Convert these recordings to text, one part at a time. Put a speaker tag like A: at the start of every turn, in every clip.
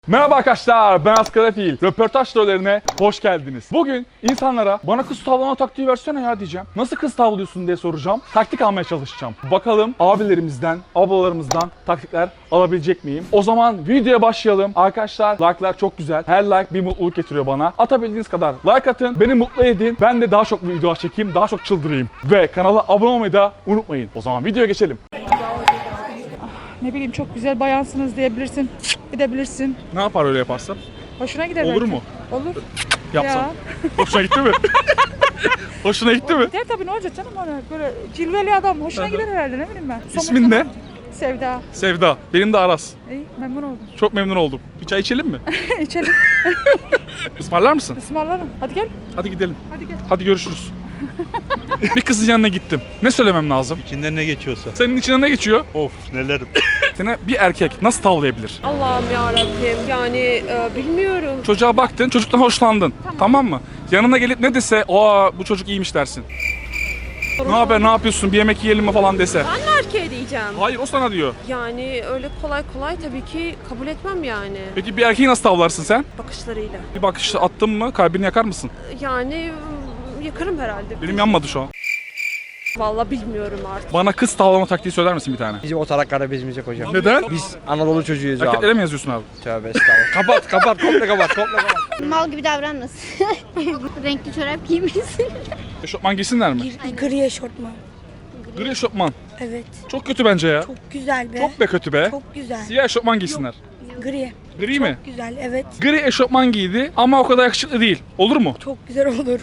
A: Merhaba arkadaşlar, ben Askarafil. Röportaj trollerine hoş geldiniz. Bugün insanlara bana kız tavlama taktiği versene ya diyeceğim. Nasıl kız tavlıyorsun diye soracağım. Taktik almaya çalışacağım. Bakalım abilerimizden, ablalarımızdan taktikler alabilecek miyim? O zaman videoya başlayalım. Arkadaşlar like'lar çok güzel. Her like bir mutluluk getiriyor bana. Atabildiğiniz kadar like atın. Beni mutlu edin. Ben de daha çok videolar çekeyim, daha çok çıldırayım. Ve kanala abone olmayı da unutmayın. O zaman videoya geçelim.
B: Ne bileyim çok güzel bayansınız diyebilirsin. Gidebilirsin.
A: Ne yapar öyle yaparsam?
B: Hoşuna gider
A: Olur
B: belki.
A: mu?
B: Olur.
A: Yapsam.
B: Ya.
A: Hoşuna gitti mi? Hoşuna gitti mi?
B: Der tabii ne olacak canım ona. Böyle cilveli adam. Hoşuna gider herhalde ne bileyim ben.
A: İsmin ne?
B: Sevda.
A: Sevda. Benim de Aras.
B: İyi memnun oldum.
A: Çok memnun oldum. Bir çay içelim mi?
B: İçelim.
A: Ismarlar mısın?
B: Ismarlarım. Hadi gel.
A: Hadi gidelim.
B: Hadi gel.
A: Hadi görüşürüz. Bir kızın yanına gittim. Ne söylemem lazım?
C: İçinden ne geçiyorsa.
A: Senin içinden ne geçiyor?
C: Of neler.
A: Seni bir erkek nasıl tavlayabilir?
D: Allah'ım yarabbim yani bilmiyorum.
A: Çocuğa baktın, çocuktan hoşlandın. Tamam mı? Yanına gelip ne dese, aa bu çocuk iyiymiş dersin. Ne haber, ne yapıyorsun, bir yemek yiyelim mi falan dese.
D: Ben de erkeğe diyeceğim.
A: Hayır, o sana diyor.
D: Yani öyle kolay kolay tabii ki kabul etmem yani.
A: Peki bir erkeği nasıl tavlarsın sen?
D: Bakışlarıyla.
A: Bir bakış attın mı kalbini yakar mısın?
D: Yani yakarım herhalde.
A: Benim yanmadı şu an.
D: Vallahi bilmiyorum artık.
A: Bana kız tavlama taktiği söyler misin bir tane?
E: Bizim o taraklara bezmeyecek hocam.
A: Neden?
E: Biz Anadolu çocuğuyuz
A: Erkeklere
E: abi.
A: mi yazıyorsun abi?
E: Tövbe estağfurullah. kapat, komple kapat.
F: Mal gibi davranmasın. Renkli çorap giymesin.
A: Eşofman giysinler mi?
G: Gri eşortman.
A: Gri eşofman.
G: Evet.
A: Çok kötü bence ya.
G: Çok güzel be.
A: Çok be kötü be.
G: Çok güzel.
A: Siyah eşofman giysinler.
G: Gri.
A: Gri mi?
G: Güzel evet.
A: Gri eşofman giydi ama o kadar yakışıklı değil. Olur mu?
G: Çok güzel olur.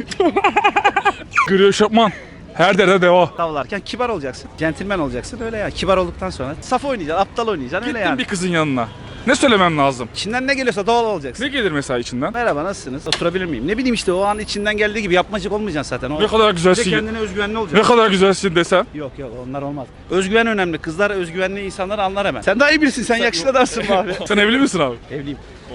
A: Gri eşofman. Her derde deva.
E: Tavlarken kibar olacaksın. Centilmen olacaksın öyle ya. Kibar olduktan sonra saf oynayacaksın, aptal oynayacaksın öyle
A: Gittim
E: yani.
A: bir kızın yanına. Ne söylemem lazım?
E: İçinden ne geliyorsa doğal olacaksın.
A: Ne gelir mesela içinden?
E: Merhaba nasılsınız? Oturabilir miyim? Ne bileyim işte o an içinden geldiği gibi yapmacık olmayacaksın zaten. O
A: Ne kadar
E: bir de
A: güzelsin.
E: kendine özgüvenli
A: Ne
E: olacaksın.
A: kadar güzelsin desem.
E: Yok onlar olmaz. Özgüven önemli. Kızlar özgüvenli insanları anlar hemen. Sen daha iyi birisin. Sen yakışıklı adamsın be abi.
A: Sen evli misin abi?
E: Evliyim.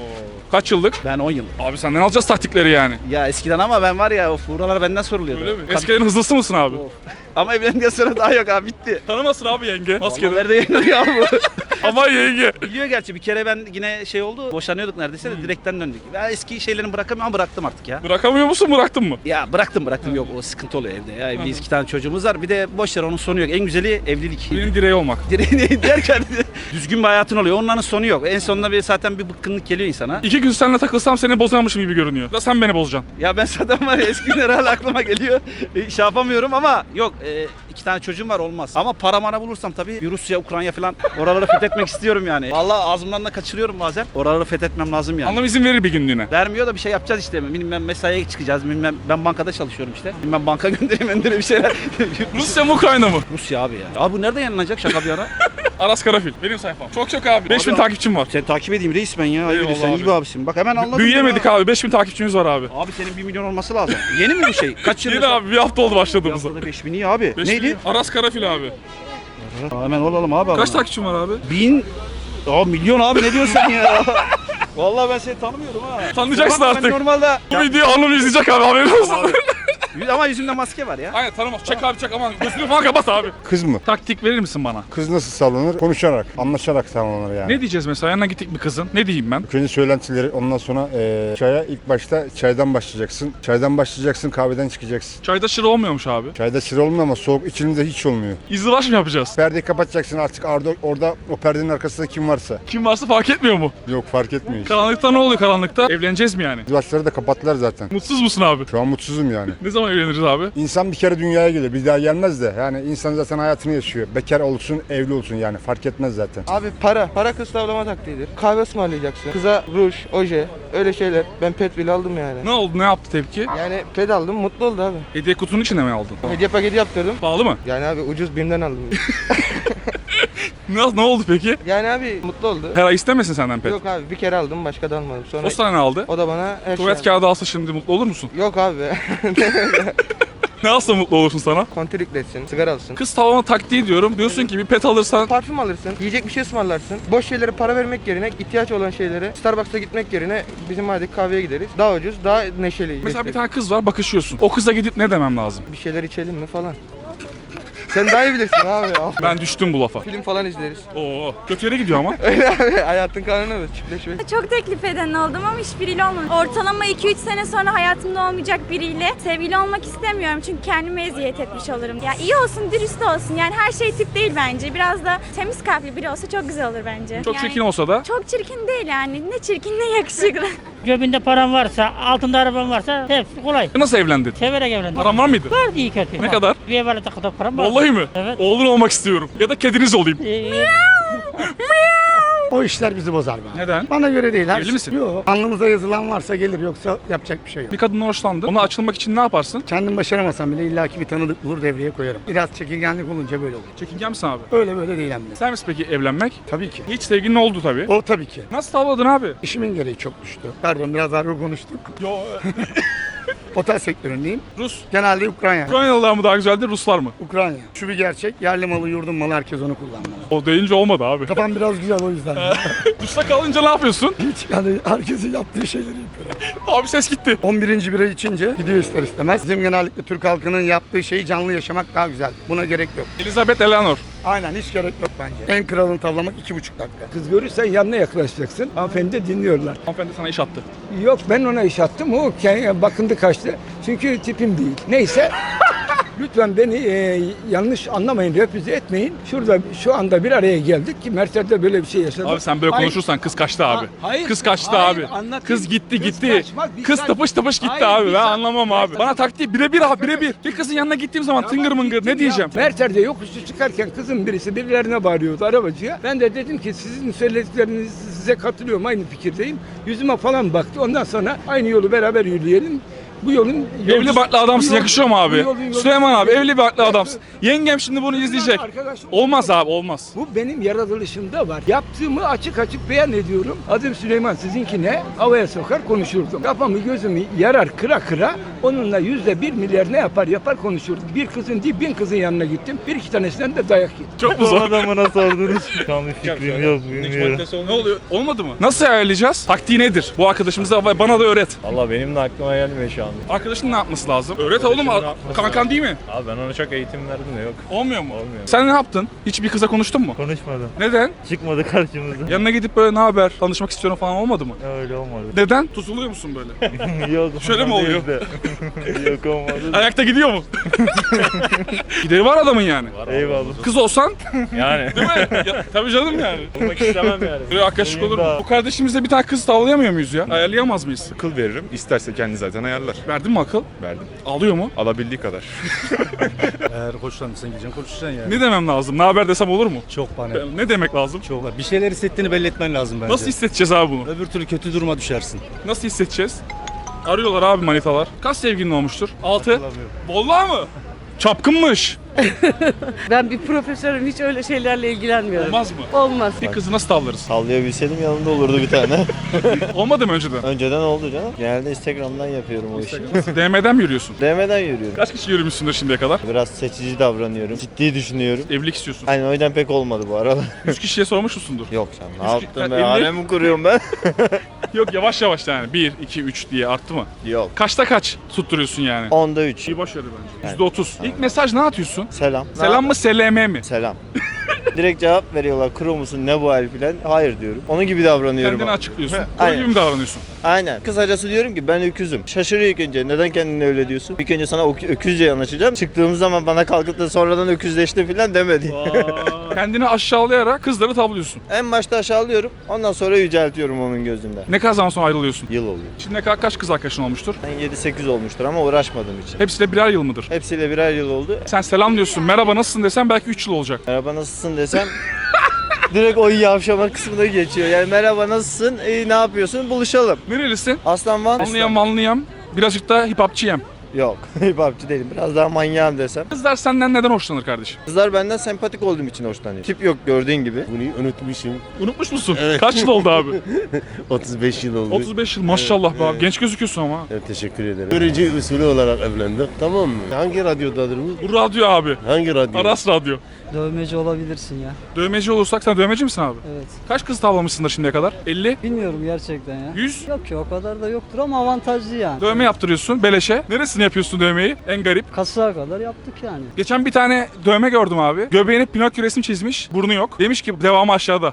A: Kaç yıllık?
E: Ben 10 yıl.
A: Abi senden alacağız taktikleri yani.
E: Ya eskiden ama ben var ya buralar benden soruluyordu.
A: Öyle mi?
E: Kad-
A: Eskiden hızlısı mısın abi?
E: Ama evlendikten sonra daha yok abi bitti.
A: Tanımasın abi yenge. Maskede.
E: Nerede yayınlıyor abi bu?
A: Ama yenge.
E: Biliyor gerçi bir kere ben yine şey oldu boşanıyorduk neredeyse de direkten döndük. Ben eski şeylerini bırakamıyorum ama bıraktım artık ya.
A: Bırakamıyor musun, bıraktın mı?
E: Ya bıraktım yok o sıkıntı oluyor evde ya. Evliyiz 2 tane çocuğumuz var bir de boş ver onun sonu yok. En güzeli evlilik.
A: Benim direği olmak.
E: Direğini derken düzgün bir hayatın oluyor onların sonu yok. En sonunda zaten bir bıkkınlık geliyor insana.
A: 2 gün seninle takılsam seni bozarmışım gibi görünüyor. Da sen beni bozacaksın.
E: Ya ben zaten var ya eski günler hala aklıma geliyor. Şey yapamıyorum ama yok 2 tane çocuğum var olmaz. Ama para mara bulursam tabii bir Rusya, Ukrayna falan oraları fethetmek istiyorum yani. Vallahi ağzımdan da kaçırıyorum bazen. Oraları fethetmem lazım yani.
A: Anlam izin verir bir günlüğüne.
E: Vermiyor da bir şey yapacağız işte. Bilmem mesaiye çıkacağız. Bilmem ben bankada çalışıyorum işte. Bilmem banka göndereyim bir şeyler.
A: Rusya mı Ukrayna mı?
E: Rusya abi ya. Abi bu nerede yayınlanacak şaka bir ara?
A: Aras Karafil. Benim sayfam. Çok abi. 5000
E: Abi-
A: takipçim var.
E: Sen takip edeyim reis ben ya.
A: Eyvallah
E: Sen
A: abi.
E: iyi bir abisin. Bak hemen anladım.
A: Büyüyemedik
E: ya.
A: abi. 5000 takipçimiz var abi.
E: Abi senin 1 milyon olması lazım. Yeni mi bu şey? Kaç yıl?
A: Yeni abi, bir hafta oldu başladığımızda.
E: Haftada 5000 iyi abi.
A: 5000
E: Neydi?
A: Aras Karafil abi.
E: Hemen olalım abi.
A: Kaç takipçim var abi?
E: 1000. Aa milyon abi ne diyorsun sen ya? Vallahi ben seni tanımıyorum ha.
A: Tanıyacaksın
E: Tamam,
A: artık.
E: Ben normalde
A: Bu videoyu hanım izleyecek abi, haberin olsun.
E: ama yüzümde maske var ya.
A: Aynen tanımaz. Çek abi çek, aman gözünü falan kapat abi.
H: Kız mı?
A: Taktik verir misin bana?
H: Kız nasıl sağlanır? Konuşarak, anlaşarak sağlanır yani.
A: Ne diyeceğiz mesela? Yanına gittik bir kızın. Ne diyeyim ben?
H: Önce söylentileri, ondan sonra çaya ilk başta çaydan başlayacaksın. Çaydan başlayacaksın, kahveden çıkacaksın.
A: Çayda şıra olmuyormuş abi.
H: Çayda sıra olmuyor ama soğuk içilinde hiç olmuyor.
A: İzdivaç mı yapacağız?
H: Perdeyi kapatacaksın artık orada o perdenin arkasında kim varsa.
A: Kim varsa fark etmiyor mu?
H: Yok fark etmiyor hiç.
A: Karanlıkta ne oluyor karanlıkta? Evleneceğiz mi yani?
H: İzdivaçları da kapattılar zaten.
A: Mutsuz musun abi?
H: Şu an mutsuzum yani.
A: Ne zaman evleniriz abi?
H: İnsan bir kere dünyaya geliyor, bir daha gelmez de. Yani insan zaten hayatını yaşıyor. Bekar olsun, evli olsun yani fark etmez zaten.
I: Abi para kız tavlama taktiğidir. Kahve ısmarlayacaksın. Kıza ruj, oje, öyle şeyler. Ben pet bile aldım yani.
A: Ne oldu? Ne yaptı tepki?
I: Yani pet aldım, mutlu oldu abi.
A: Hediye kutunun içine mi aldın?
I: Hediye paketi yaptırdım.
A: Pahalı mı?
I: Yani abi ucuz BİM'den aldım.
A: Ne oldu peki?
I: Yani abi mutlu oldu.
A: Her ay istemesin senden pet.
I: Yok abi bir kere aldım başka da almadım. Sonra
A: O sana ne aldı?
I: o da bana her
A: Tuvalet
I: şey
A: kağıdı alsa şimdi mutlu olur musun?
I: aldı. Yok abi.
A: Ne alsa mutlu olursun sana?
I: Kontür yükletsin, sigara alsın.
A: Kız tavlama taktiği diyorum. Diyorsun ki bir pet alırsan
I: Parfüm alırsın, yiyecek bir şey ısmarlarsın. Boş şeylere para vermek yerine, ihtiyaç olan şeylere Starbucks'a gitmek yerine bizim hadi kahveye gideriz. Daha ucuz, daha neşeli.
A: mesela bir tane kız var, bakışıyorsun. O kıza gidip ne demem lazım?
I: Bir şeyler içelim mi falan. Sen daha iyi bilirsin abi.
A: Ben düştüm bu lafa.
I: Film falan izleriz.
A: Oo, kötü yere gidiyor ama.
I: Öyle abi. Hayatın kanunu bu. Çiftleşme.
C: Çok teklif eden oldum ama hiçbiriyle olmadı. Ortalama 2-3 sene sonra hayatımda olmayacak biriyle sevgili olmak istemiyorum. Çünkü kendime eziyet etmiş olurum. Ya iyi olsun, dürüst olsun. Yani her şey tip değil bence. Biraz da temiz kalpli biri olsa çok güzel olur bence.
A: Çok
C: Yani
A: çirkin olsa da.
C: çok çirkin değil yani. Ne çirkin ne yakışıklı.
J: Cebinde paran varsa, altında araban varsa hepsi kolay.
A: Nasıl evlendin?
J: Severek evlendim.
A: Paran var mıydı?
J: Vardı iyi kötü.
A: Ne kadar?
J: Bir evvel kadar param var.
A: Vallahi mi?
J: Evet.
A: Oğlun olmak istiyorum. Ya da kediniz olayım.
K: O işler bizi bozar be.
A: Neden?
K: Bana göre değil.
A: Evli misin?
K: Yok. Alnımıza yazılan varsa gelir, yoksa yapacak bir şey yok.
A: Bir kadından hoşlandın. Ona açılmak için ne yaparsın?
K: Kendim başaramasam bile illaki bir tanıdık bulur, devreye koyarım. Biraz çekingenlik olunca böyle olur.
A: Çekingen misin abi?
K: Öyle böyle değil hem de.
A: Sen misin peki evlenmek?
K: Tabii ki.
A: Hiç sevgilin oldu tabii.
K: O tabii ki.
A: Nasıl tavladın abi?
K: İşimin gereği çok düştü. Pardon, biraz ağır konuştuk.
A: Yo,
K: Otel sektöründeyim.
A: Rus.
K: Genelde Ukrayna.
A: Ukraynalılar mı daha güzeldir, Ruslar mı?
K: Ukrayna. Şu bir gerçek. Yerli malı, yurdum malı, herkes onu kullanmalı.
A: O deyince olmadı abi.
K: Kafam biraz güzel o yüzden.
A: Rus'ta kalınca ne yapıyorsun?
K: Hiç yani herkesin yaptığı şeyleri yapıyorum.
A: Abi ses gitti.
K: 11. bira içince gidiyor ister istemez. Bizim genellikle Türk halkının yaptığı şeyi canlı yaşamak daha güzel. Buna gerek yok.
A: Elizabeth Eleanor.
K: Aynen, hiç gerek yok bence. En kralını tavlamak 2,5 dakika.
L: Kız görürsen yanına yaklaşacaksın. Hanımefendi de dinliyorlar.
A: Hanımefendi sana iş attı.
L: Yok, ben ona iş attım. O bakındı kaçtı. Çünkü tipim değil. Neyse. Lütfen beni yanlış anlamayın, refüze etmeyin. Şurada şu anda bir araya geldik ki Mertler'de böyle bir şey yaşadık.
A: Abi sen böyle
L: Hayır.
A: konuşursan kız kaçtı abi.
L: Hayır,
A: Kız kaçtı
L: hayır,
A: abi.
L: anlatayım.
A: Kız gitti
L: Kız
A: gitti.
L: kaçmaz, bir
A: Kız
L: saat-
A: tıpış tıpış gitti
L: Hayır,
A: abi.
L: bir
A: Ben
L: saat-
A: anlamam abi. Bana taktiği birebir abi birebir. Bir kızın yanına gittiğim zaman tıngır mıngır ne diyeceğim?
L: Mertler'de yokuşu çıkarken kızın birisi birilerine bağırıyordu arabacıya. Ben de dedim ki sizin söyledikleriniz size katılıyorum, aynı fikirdeyim. Yüzüme falan baktı. Ondan sonra aynı yolu beraber yürüyelim. Bu yolun
A: Evli barklı adamsın,
L: bu yol-
A: yakışıyor mu
L: bu
A: abi?
L: yolun-
A: Süleyman abi evli barklı adamsın. Yengem şimdi bunu izleyecek.
L: Arkadaşım-
A: Olmaz abi olmaz.
L: Bu benim yaratılışımda var. Yaptığımı açık açık beyan ediyorum. Adım Süleyman, sizinki ne? Havaya sokar konuşurdum. Kafamı gözümü yarar kıra kıra. Onunla %1 milyar ne yapar yapar konuşurdum. Bir kızın değil 1000 kızın yanına gittim. Bir iki tanesinden de dayak yedim.
A: Çok mu zor?
M: Adamına sordunuz. Tam bir fikrim yok, bilmiyorum.
A: Ne oluyor? Olmadı mı? Nasıl ayarlayacağız? Taktiği nedir? Bu arkadaşımıza bana da öğret.
M: Valla benim de aklıma gelmiyor şu anda.
A: Arkadaşın ne yapması lazım? Öğret oğlum.
M: ne yapması
A: Kankan
M: lazım?
A: değil mi?
M: Abi ben ona çok eğitim verdim de yok.
A: Olmuyor mu?
M: Olmuyor.
A: Sen ne yaptın? Hiç bir kıza konuştun mu?
M: Konuşmadım.
A: Neden?
M: Çıkmadı karşımıza.
A: Yanına gidip böyle ne haber? Tanışmak istiyorum falan olmadı mı?
M: Öyle olmadı.
A: Neden? Tutuluyor musun böyle?
M: Yok.
A: Şöyle mi
M: ondan
A: oluyor?
M: değil de. Yok olmadı.
A: Ayakta gidiyor mu? Gideri var adamın yani.
M: Eyvallah.
A: Kız olsan
M: Yani.
A: değil mi? Tabii canım yani.
M: Olmak istemem yani.
A: Böyle arkadaşlık olur mu?
M: Daha-
A: Bu kardeşimizle bir tane kız tavlayamıyor muyuz ya? Ayarlayamaz mıyız?
N: Akıl veririm. İsterse kendi zaten ayarlar.
A: Verdin mi akıl?
N: Verdim.
A: Alıyor mu?
N: Alabildiği kadar.
E: Eğer hoşlanırsan gideceksin konuşacaksın yani.
A: Ne demem lazım? Ne haber desem olur mu?
E: Çok bana.
A: Ne demek lazım?
E: Çok var. Bir şeyler hissettiğini belli etmen lazım bence.
A: Nasıl hissedeceğiz abi bunu?
E: Öbür türlü kötü duruma düşersin.
A: Nasıl hissedeceğiz? Arıyorlar abi manitalar. Kaç sevgilin olmuştur? 6. Vallahi mı? Çapkınmış.
B: Ben bir profesörüm, hiç öyle şeylerle ilgilenmiyorum.
A: Olmaz mı?
B: Olmaz.
A: Bir kızı nasıl tavlarız?
M: Sallayabilseydim yanımda olurdu bir tane.
A: Olmadı mı önceden?
M: Önceden oldu canım. Genelde Instagram'dan yapıyorum o işi.
A: DM'den mi yürüyorsun?
M: DM'den yürüyorum.
A: Kaç kişi yürümüşsündür şimdiye kadar?
M: Biraz seçici davranıyorum. Ciddi düşünüyorum.
A: Evlilik istiyorsun.
M: Aynen o yüzden pek olmadı bu arada.
A: 100 kişiye sormuş musundur?
M: Yok sen ne
A: Üç-
M: yaptın
A: elli-
M: be? Harem mi kuruyorum ben?
A: Yok yavaş yavaş yani. 1, 2, 3 diye arttı mı?
M: Yok.
A: Kaçta kaç tutturuyorsun yani?
M: 10'da 3.
A: İyi boş ver bence. %30. İlk mesaj ne atıyorsun?
M: Selam.
A: Selam mı SLM mi?
M: Selam. Direkt cevap veriyorlar. Kuru musun? Ne bu hal filan? Hayır diyorum. Onun gibi davranıyorum.
A: Kendini
M: ama.
A: açıklıyorsun. Kuru
M: Aynen.
A: gibi mi davranıyorsun?
M: Aynen. Kısacası diyorum ki ben öküzüm. Şaşırıyor ilk önce. Neden kendini öyle diyorsun? İlk önce sana öküzce yanaşacağım. Çıktığımız zaman bana kalkıp da sonradan öküzleşti filan demedi.
A: Kendini aşağılayarak kızları tavlıyorsun.
M: En başta aşağılıyorum. Ondan sonra yüceltiyorum onun gözünde.
A: Ne kadar zaman sonra ayrılıyorsun?
M: Yıl oluyor.
A: Şimdiye kadar kaç kız arkadaşın olmuştur?
M: Ben 7-8 olmuştur ama uğraşmadığım için.
A: Hepsiyle birer yıl mıdır?
M: Hepsiyle birer yıl oldu.
A: Sen selam diyorsun, merhaba nasılsın desen belki 3 yıl olacak.
M: Merhaba nasılsın desem direkt o yavşama kısmına geçiyor. Yani merhaba nasılsın? Ne yapıyorsun? Buluşalım.
A: Nerelisin?
M: Aslan Van.
A: Anlayam. Birazcık da hip hopçıyım.
M: Yok. Hip hopçı değilim. Biraz daha manyağım desem.
A: Kızlar senden neden hoşlanır kardeşim?
M: Kızlar benden sempatik olduğum için hoşlanıyor. Tip yok gördüğün gibi.
N: Bunu unutmuşum.
A: Unutmuş musun? Kaç yıl oldu abi?
N: 35 yıl oldu.
A: 35 yıl maşallah be abi. Genç gözüküyorsun ama.
N: Evet, teşekkür ederim. Görücü usulü olarak evlendik. Tamam mı? Hangi radyodadır bu?
A: Bu radyo abi.
N: Hangi radyo?
A: Aras Radyo.
B: Dövmeci olabilirsin ya.
A: Dövmeci olursak sen dövmeci misin abi?
B: Evet.
A: Kaç kız tavlamışsındır şimdiye kadar? 50?
B: Bilmiyorum gerçekten ya.
A: 100?
B: Yok ki o kadar da yoktur ama avantajlı yani.
A: Dövme yaptırıyorsun beleşe. Neresini yapıyorsun dövmeyi? En garip.
J: Kasaya kadar yaptık yani.
A: Geçen bir tane dövme gördüm abi. Göbeğine Pinokyo resmi çizmiş. Burnu yok. Demiş ki devamı aşağıda.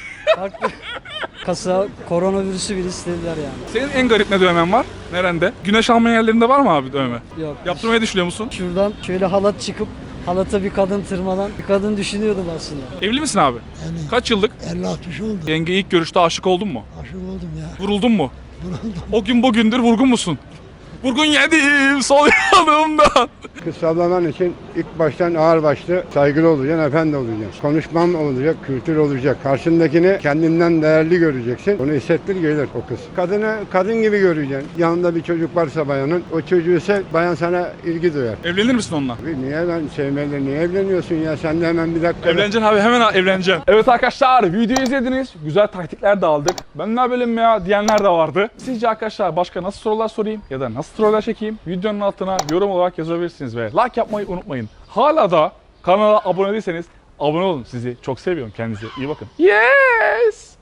J: Kasa koronavirüsü bile istediler yani.
A: Senin en garip ne dövmen var? Nerede? Güneş alma yerlerinde var mı abi dövme?
J: Yok.
A: Yaptırmayı düşünüyor musun?
J: Şuradan şöyle halat çıkıp halata bir kadın tırmanan bir kadın düşünüyordum aslında.
A: Evli misin abi? Kaç yıllık?
J: 50-60 oldu.
A: Yenge ilk görüşte aşık oldun mu?
J: Aşık oldum ya.
A: Vuruldun mu? O gün bugündür vurgun musun? Vurgun yedim sol yanımdan.
H: Kız tavlaman için ilk baştan ağır başlı saygılı olacaksın, efendi olacaksın. Konuşman olacak, kültür olacak. Karşındakini kendinden değerli göreceksin. Onu hissettir gelir o kız. Kadını kadın gibi göreceksin. Yanında bir çocuk varsa bayanın, o çocuğu ise bayan sana ilgi duyar.
A: Evlenir misin onunla?
H: Niye ben sevmeyle niye evleniyorsun ya? Sen de hemen bir dakika.
A: Evleneceksin abi, hemen evleneceksin. Evet arkadaşlar, videoyu izlediniz. Güzel taktikler de aldık. Ben ne bölüm ya diyenler de vardı. Sizce arkadaşlar başka nasıl sorular sorayım ya da nasıl troller çekeyim? Videonun altına yorum olarak yazabilirsiniz ve like yapmayı unutmayın. Hala da kanala abone değilseniz abone olun. Sizi çok seviyorum. Kendinize iyi bakın. Yes!